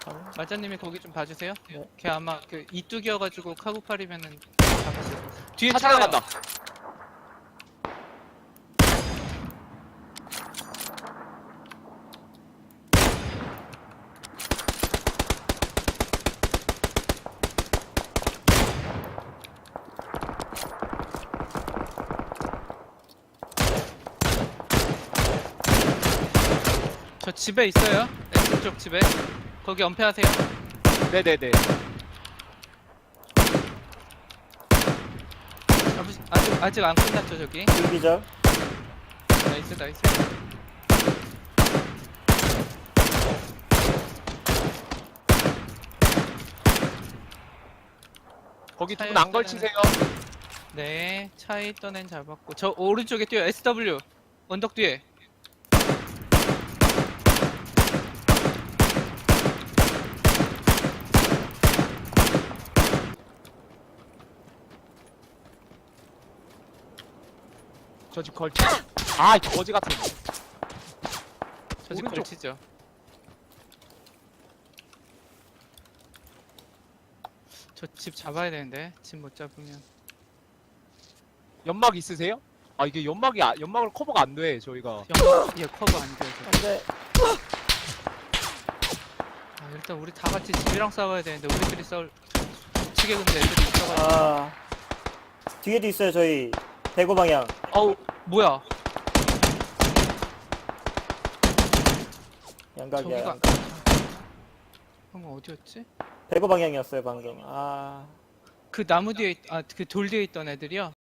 마자님이 거기 좀 봐주세요. 네. 걔 아마 그 이뚝이어가지고 카고팔이면은 잡았어요. 뒤에 차 차요. 나간다. 저 집에 있어요. 왼쪽 집에. 거기 엄폐하세요. 네네네. 아직 안 끝났죠 저기. 불기절. 나이스 나이스. 거기 두 차에 분 안 있다는- 걸치세요. 네, 차에 있던 애는 잡았고 저 오른쪽에 뛰어. SW 언덕 뒤에. 저 집 걸치. 아, 거지 같은. 저 집 오른쪽. 걸치죠. 저 집 잡아야 되는데 집 못 잡으면. 연막 있으세요? 아, 이게 연막을 커버가 안 돼, 저희가. 얘 커버 안 돼요. 안 돼. 아, 일단 우리 다 같이 집이랑 싸워야 되는데 우리끼리 싸울. 우측에 근데 애들이 있어가지고. 아. 뒤에도 있어요, 저희. 대구 방향. 어우 뭐야? 양각이야. 저기가 양각. 방금 어디였지? 대구 방향이었어요, 방금. 아. 그 나무 뒤에 그 돌 뒤에 있던 애들이요.